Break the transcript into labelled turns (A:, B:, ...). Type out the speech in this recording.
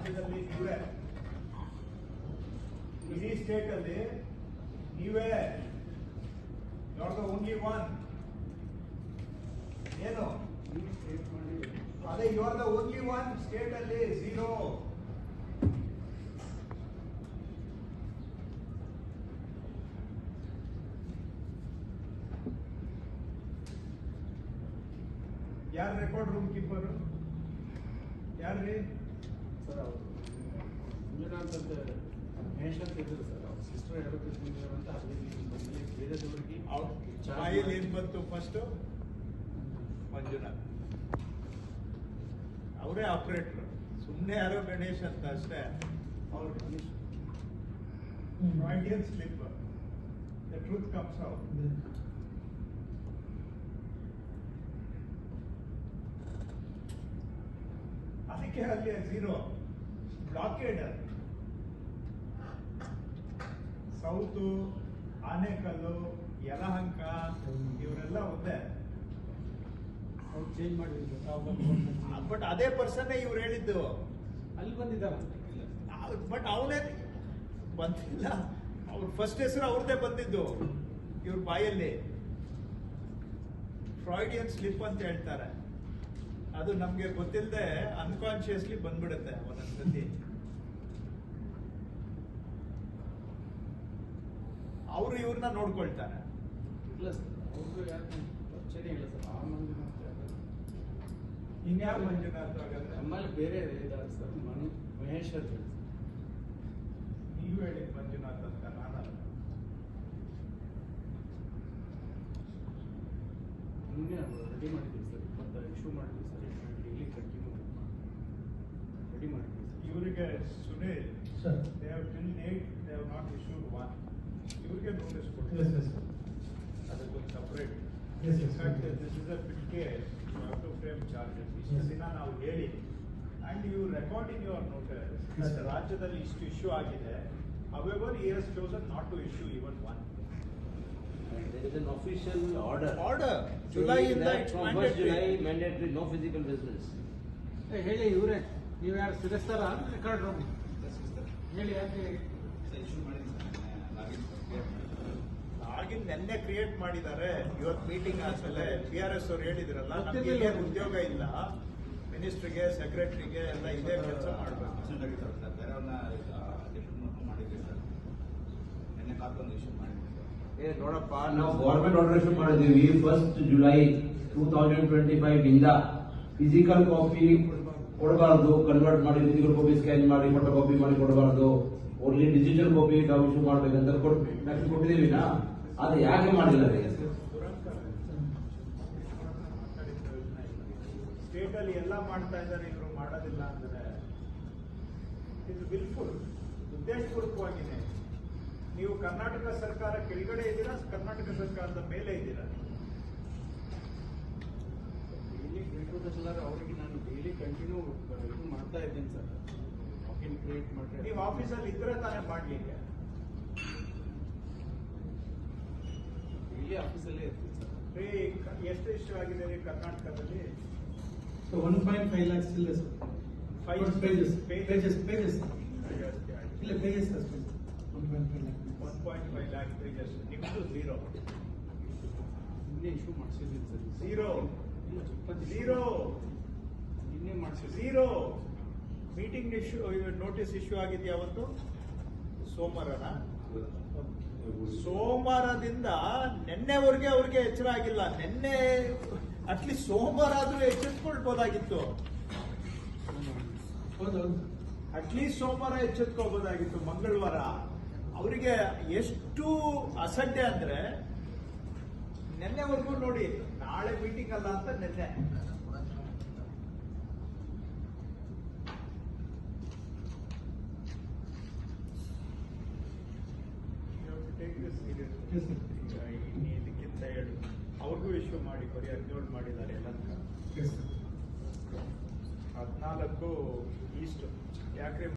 A: ರಾಜ್ಯದಲ್ಲಿ ನೀವೇ, ಇಡೀ ಸ್ಟೇಟ್ ಅಲ್ಲಿ ನೀವೇ, you are the only one. ಏನು ಅದೇ you are the only one state ಅಲ್ಲಿ, 0. ಯಾರು ರೆಕಾರ್ಡ್ ರೂಮ್ ಕೀಪರು? ಯಾರ್ರಿ
B: ಸರ್? ಅವರು ಮಂಜುನಾಥ್ ಅಂತ ಮಹೇಶ್ ಅಂತ ಇದ್ರು ಸರ್. ಅವ್ರ ಸಿಸ್ಟರ್ ಹೇಳೋಕೆ ಅಂತ ಅದೇ ಬೇರೆದವ್ರಿಗೆ
A: ಬಾಯಲ್ಲಿ ಏನ್ ಬಂತು ಫಸ್ಟ್? ಮಂಜುನಾಥ್ ಅವರೇ ಆಪರೇಟರ್, ಸುಮ್ಮನೆ ಯಾರೋ ಗಣೇಶ್ ಅಂತ ಅಷ್ಟೇ. ಅವ್ರು Freudian slip, the truth comes out. ಅದಕ್ಕೆ ಅಲ್ಲಿ 0 ಬ್ಲಾಕೇಡ್. ಸೌತು, ಆನೇಕಲ್ಲು, ಯಲಹಂಕ ಇವರೆಲ್ಲ ಒಂದೇ.
B: ಅವ್ರು ಚೇಂಜ್ ಮಾಡಿದ್ರು
A: ಬಟ್ ಅದೇ ಪರ್ಸನ್ ಇವ್ರು ಹೇಳಿದ್ದು.
B: ಅಲ್ಲಿ ಬಂದಿದ್ದಾರ
A: ಬಟ್ ಅವನೇ ಬಂದಿಲ್ಲ. ಅವ್ರ ಫಸ್ಟ್ ಹೆಸರು ಅವ್ರದ್ದೇ ಬಂದಿದ್ದು ಇವ್ರ ಬಾಯಲ್ಲಿ. ಫ್ರಾಯ್ಡಿಯನ್ ಸ್ಲಿಪ್ ಅಂತ ಹೇಳ್ತಾರೆ. ಅದು ನಮ್ಗೆ ಗೊತ್ತಿಲ್ಲದೆ ಅನ್ಕಾನ್ಶಿಯಸ್ಲಿ ಬಂದ್ಬಿಡುತ್ತೆ ಒಂದೊಂದ್ಸತಿ. ಅವರು ಇವ್ರನ್ನ ನೋಡ್ಕೊಳ್ತಾರೆ.
B: ಇಲ್ಲ ಸರ್, ಅವ್ರಿಗೂ ಯಾರು ಪರಿಚಯ ಇಲ್ಲ ಸರ್. ಆ ಮಂಜುನಾಥ್
A: ಇನ್ಯಾವ ಮಂಜುನಾಥ್ ಹಾಗಾದ್ರೆ?
B: ನಮ್ಮಲ್ಲಿ ಬೇರೆ ಇದ್ದಾರೆ ಸರ್. ಮಹೇಶ್ ಅಂತ ಹೇಳಿ.
A: ನೀವು ಹೇಳಿ ಮಂಜುನಾಥ್ ಅಂತ, ನಾನಲ್ಲ.
B: ನಿನ್ನೆ ರೆಡಿ ಮಾಡಿದ್ದೀವಿ ಸರ್. ಮತ್ತೆ ಇಶ್ಯೂ ಮಾಡಿದ್ವಿ ಸರ್. ಡೈಲಿ ಕಂಟಿನ್ಯೂ ರೆಡಿ ಮಾಡಿದ್ವಿ ಸರ್.
A: ಇವರಿಗೆ Sunil
C: sir,
A: they have till date they have not issued one. ಇವರಿಗೆ ನೋಟಿಸ್ ಕೊಡ್ತೀವಿ.
C: yes, yes, sir.
A: ಅದಕ್ಕೊಂದು separate.
C: Yes, yes,
A: In fact,
C: sir.
A: this is a big case. You have to frame charges. ಇಷ್ಟು ದಿನ ನಾವು ಹೇಳಿ and you record in your notice
C: Yes,
A: that
C: sir.
A: ರಾಜ್ಯದಲ್ಲಿ ಇಷ್ಟು issue ಆಗಿದೆ. However, he has chosen not to issue even one.
D: There is an official order.
A: Order. July in
D: that
A: the
D: from 1st July mandatory, no physical business.
B: ಹೇಳಿ ಇವರೇ, ನೀವು ಯಾರು ಸಿರಿಸ್ತಾರ record room ಹೇಳಿ. ಯಾಕೆ
A: ಆಗಿನ ನೆನ್ನೆ ಕ್ರಿಯೇಟ್ ಮಾಡಿದ್ದಾರೆ. ಇವತ್ತು ಮೀಟಿಂಗ್ ಆದ್ಮೇಲೆ PRS ಅವ್ರು ಹೇಳಿದ್ರಲ್ಲ, ನಮ್ಗೆ ಏನು ಉದ್ಯೋಗ ಇಲ್ಲ, ಮಿನಿಸ್ಟ್ರಿಗೆ, ಸೆಕ್ರೆಟರಿಗೆ ಎಲ್ಲ ಇದೇ ಕೆಲಸ ಮಾಡಬೇಕು.
D: ನೋಡಪ್ಪ, ನಾವು ಗೌರ್ಮೆಂಟ್ ಆರ್ಡರ್ ಇಶ್ಯೂ ಮಾಡಿದ್ದೀವಿ 1st July 2025 ಇಂದ. ಫಿಸಿಕಲ್ ಕಾಪಿ ಕೊಡಬಾರ್ದು, ಕನ್ವರ್ಟ್ ಮಾಡಿ ಫಿಸಿಕಲ್ ಕಾಪಿ ಸ್ಕ್ಯಾನ್ ಮಾಡಿ ಫೋಟೋ ಕಾಪಿ ಮಾಡಿ ಕೊಡಬಾರ್ದು. ಓನ್ಲಿ ಡಿಜಿಟಲ್ ಕಾಪಿ ನಾವು ಇಶ್ಯೂ ಮಾಡ್ಬೇಕಂತ ಕೊಟ್ಟಿದ್ದೀವಿ ನಾ. ಅದು ಯಾಕೆ ಮಾಡಿಲ್ಲ ರೀ?
A: ಸ್ಟೇಟ್ ಅಲ್ಲಿ ಎಲ್ಲ ಮಾಡ್ತಾ ಇದ್ದಾರೆ, ಇವರು ಮಾಡೋದಿಲ್ಲ ಅಂದ್ರೆ ಇದು ವಿಲ್ಫುಲ್, ಉದ್ದೇಶಪೂರ್ವಕವಾಗಿದೆ. ನೀವು ಕರ್ನಾಟಕ ಸರ್ಕಾರ ಕೆಳಗಡೆ ಇದ್ದೀರಾ, ಕರ್ನಾಟಕ ಸರ್ಕಾರದ ಮೇಲೆ ಇದ್ದೀರಾ?
B: ಡೈಲಿ ಸರ್ ಅವರಿಗೆ ನಾನು ಡೈಲಿ ಕಂಟಿನ್ಯೂ ಇದು ಮಾಡ್ತಾ ಇದ್ದೀನಿ ಸರ್. ವಾಕಿಂಗ್ ಕ್ರಿಯೇಟ್ ಮಾಡಿ
A: ನೀವು ಆಫೀಸಲ್ಲಿ ಇದ್ರೆ ತಾನೇ ಮಾಡ್ಲಿಕ್ಕೆ.
B: ಡೈಲಿ ಆಫೀಸಲ್ಲೇ ಇರ್ತೀನಿ ಸರ್.
A: ಎಷ್ಟು ಇಶ್ಯೂ ಆಗಿದೆ ರೀ ಕರ್ನಾಟಕದಲ್ಲಿ?
C: So 1.5 lakhs still is.
A: 5
C: pages.
A: pages.
C: ಇಲ್ಲ pages sir. 1.5 lakh.
A: 1.5 lakh pages. ನಿಮ್ದು 0.
B: ನಿನ್ನೆ ಇಶ್ಯೂ ಮಾಡಿಸಿದ್ದೀನಿ ಸರ್.
A: 0.
B: ನಿನ್ನೆ ಮಾಡಿಸಿದ್ದೀನಿ.
A: 0. ಮೀಟಿಂಗ್ ಇಶ್ಯೂ, ನೋಟಿಸ್ ಇಶ್ಯೂ ಆಗಿದೆಯಾ ಅವತ್ತು? ಸೋಮವಾರನ? ಸೋಮವಾರದಿಂದ ನಿನ್ನೆವರೆಗೆ ಅವ್ರಿಗೆ ಎಚ್ಚರ ಆಗಿಲ್ಲ. ನಿನ್ನೆ ಅಟ್ಲೀಸ್ಟ್ ಸೋಮವಾರ ಆದ್ರೂ ಎಚ್ಚೆತ್ಕೊಳ್ಬೋದಾಗಿತ್ತು. ಅಟ್ಲೀಸ್ಟ್ ಸೋಮವಾರ ಎಚ್ಚೆತ್ಕೋಬೋದಾಗಿತ್ತು. ಮಂಗಳವಾರ ಅವರಿಗೆ ಎಷ್ಟು ಅಸಡ್ಡೆ ಅಂದ್ರೆ ನಿನ್ನೆವರೆಗೂ ನೋಡಿ, ನಾಳೆ ಮೀಟಿಂಗ್ ಅಲ್ಲ ಅಂತ ನಿನ್ನೆ.
C: Yes, sir.
A: ಇದಕ್ಕಿಂತ ಹೇಳಿ ಅವ್ರಿಗೂ ಇಶ್ಯೂ ಮಾಡಿ, ಬರೀ 17 ಮಾಡಿದ್ದಾರೆ ಎಲ್ಲ.
C: Yes, sir.
A: 14 ಈಸ್ಟ್ ಯಾಕ್ರೆ